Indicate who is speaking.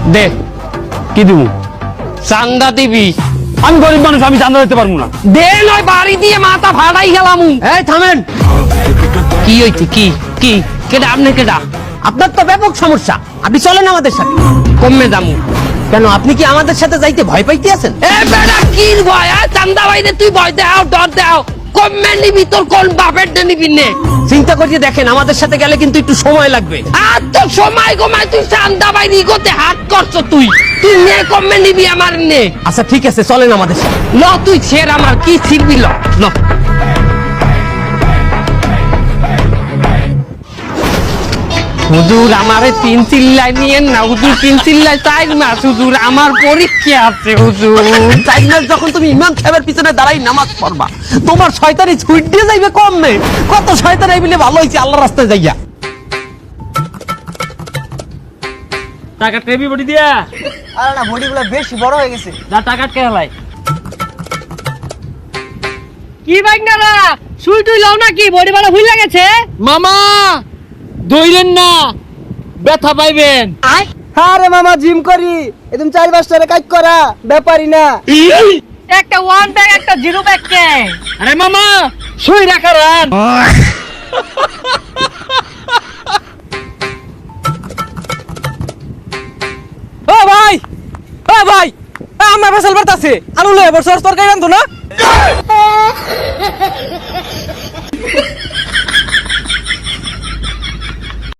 Speaker 1: দে
Speaker 2: কি দিব?
Speaker 1: চান্দা দিবি।
Speaker 2: আমি গরিব মানুষ, আমি চাঁদা দিতে পারবো না।
Speaker 1: দে নয় বাড়ি দিয়ে মাথা ফাড়াই গেলাম।
Speaker 3: এই থামেন,
Speaker 1: কি হইছে? কি কি কেডা? আপনি কেডা?
Speaker 3: আপনার তো ব্যাপক সমস্যা, আপনি চলেন আমাদের সাথে।
Speaker 1: কমে দামু।
Speaker 3: কেন, আপনি কি আমাদের সাথে যাইতে ভয় পাইতে আছেন?
Speaker 1: এ বেড়া কি ভয়? চান্দা বাইরে তুই ভয় দাও, ডর দাও। কমে নিবি, তোর কোন বাপের নিবি নে?
Speaker 3: চিন্তা করিয়ে দেখেন, আমাদের সাথে গেলে কিন্তু একটু সময় লাগবে।
Speaker 1: আর তো সময় কমায় তুই চান্দা বাইরে গোতে হাত করছো। তুই তুই নে, কমে নিবি আমার নে।
Speaker 3: আচ্ছা ঠিক আছে, চলেন আমাদের সাথে।
Speaker 1: ল তুই ছেড়, আমার কি ছিড়বি? ল ল। হুজুর আমারে 3 চিল্লাই নিয়েন না হুজুর, 3 চিল্লাই 4 মাস হুজুর, আমার পরীক্ষা আছে হুজুর।
Speaker 3: 4 মাস যখন তুমি ইমাম সাহেবের পিছনে দাঁড়াই নামাজ পড়বা, তোমার শয়তানি ছুট দিয়ে যাইবে কম নেই। কত শয়তান এই বলে ভালো হয়েছে আল্লাহর রাস্তায় যাইয়া।
Speaker 4: টাকা টেবি বডি দিয়া।
Speaker 5: আরে না, বডিগুলো বেশি বড় হয়ে গেছে।
Speaker 4: যা টাকা কে হলাই। কি বাইকনারা সুই টুই লাও নাকি? বডি বালা ভুল লাগেছে। মামা দইলেন না, ব্যথা পাইবেন।
Speaker 5: আরে মামা, জিম করি, একদম 4-5 টাকা কাজ করা ব্যাপারই না।
Speaker 4: একটা 1 ব্যাগ একটা 0 ব্যাগ কে? আরে মামা সুই রাখা রান।
Speaker 5: ও ভাই, ও ভাই, আমার ফসল বাড়তাছে, আলু লয়ে বছর তরকারি রান্ধো না।